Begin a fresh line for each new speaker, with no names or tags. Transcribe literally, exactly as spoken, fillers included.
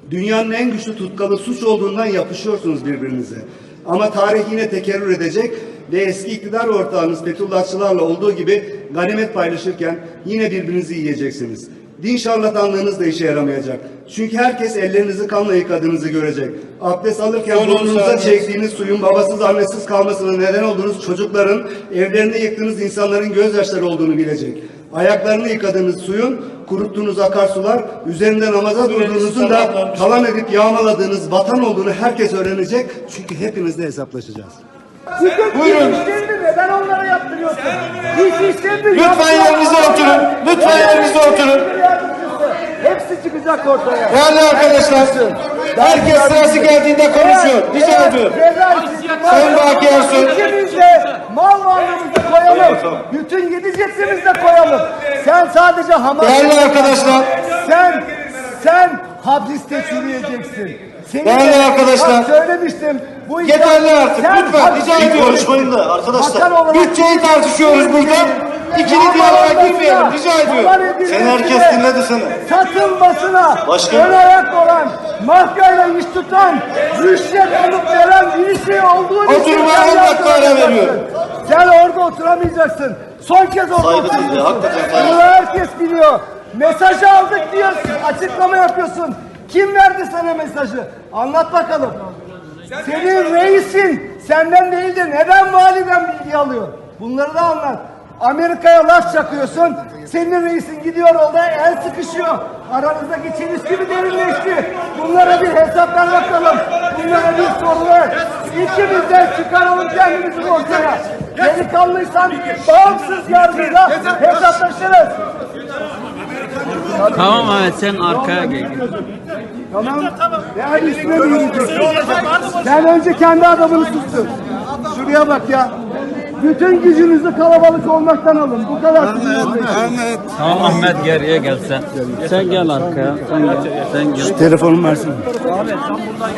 Dünyanın en güçlü tutkalı suç olduğundan yapışıyorsunuz birbirinize. Ama tarih yine tekerrür edecek ve eski iktidar ortağınız Fethullahçılarla olduğu gibi ganimet paylaşırken yine birbirinizi yiyeceksiniz. Din şarlatanlığınız da işe yaramayacak. Çünkü herkes ellerinizi kanla yıkadığınızı görecek. Abdest alırken burnunuza çektiğiniz suyun babasız annesiz kalmasına neden olduğunuz çocukların, evlerinde yıktığınız insanların gözyaşları olduğunu bilecek. Ayaklarını yıkadığınız suyun, kuruttuğunuz akarsular, üzerinde namaza durduğunuzun da talan edip yağmaladığınız vatan olduğunu herkes öğrenecek. Çünkü hepinizle hesaplaşacağız.
Buyurun. Neden onlara yaptırıyorsun? Hiç işlerini
Lütfen yerinize oturun. Lütfen yerinize oturun.
Hepsi çıkacak ortaya.
Değerli arkadaşlar, herkes sırası geldiğinde konuşuyor. Rica ediyorum. Sayın Baki Ersoy.
İkimiz de mal varlığımızı koyalım. Bütün gideceksiniz de koyalım. Sen sadece hamam.
Değerli arkadaşlar.
Sen, sen hapiste çürüyeceksin. Senin
Değerli
de,
arkadaşlar.
bak söylemiştim. Bu
Yeterli artık.
sen
Lütfen
hapiste
rica ediyorum.
Konuşmayın da arkadaşlar.
Bakan olarak-
Bütçeyi tartışıyoruz burada. İkili diyaloğa girmeyelim. Rica ediyorum.
Sen herkes dinledi seni.
Satılmasına
Başka?
ön ayak olan, mafyayla iş tutan, rüşvet alıp veren birisi olduğunu
Oturmaya on dakika ara veriyorum.
Sen orada oturamayacaksın. Son kez orada
Saygı
oturacaksın.
duyuyor, hakikaten saygı.
Bunu herkes biliyor. Mesajı aldık diyorsun. Açıklama yapıyorsun. Kim verdi sana mesajı? Anlat bakalım. Senin reisin senden değil de neden validen bilgi alıyor? Bunları da anlat. Amerika'ya laf çakıyorsun. Senin reisin gidiyor orada el sıkışıyor. Aranızdaki çelişki mi derinleşti? Bunlara bir hesap ver bakalım. Bunlara bir soru ver. İkimizden çıkaralım kendimizi ortaya. Delikanlıysan bağımsız yargıyla hesaplaşırız.
Tamam Ahmet, sen arkaya gel.
Tamam. Yani üstüne mi yürüyeceksin? Sen önce kendi adamını tuttun. Şuraya bak ya. Bütün gücünüzü kalabalık olmaktan alın. Bu kadar.
Tamam Ahmet, geriye gel sen. Sen gel arkaya. Sen gel. Sen gel.
Telefonumu versene.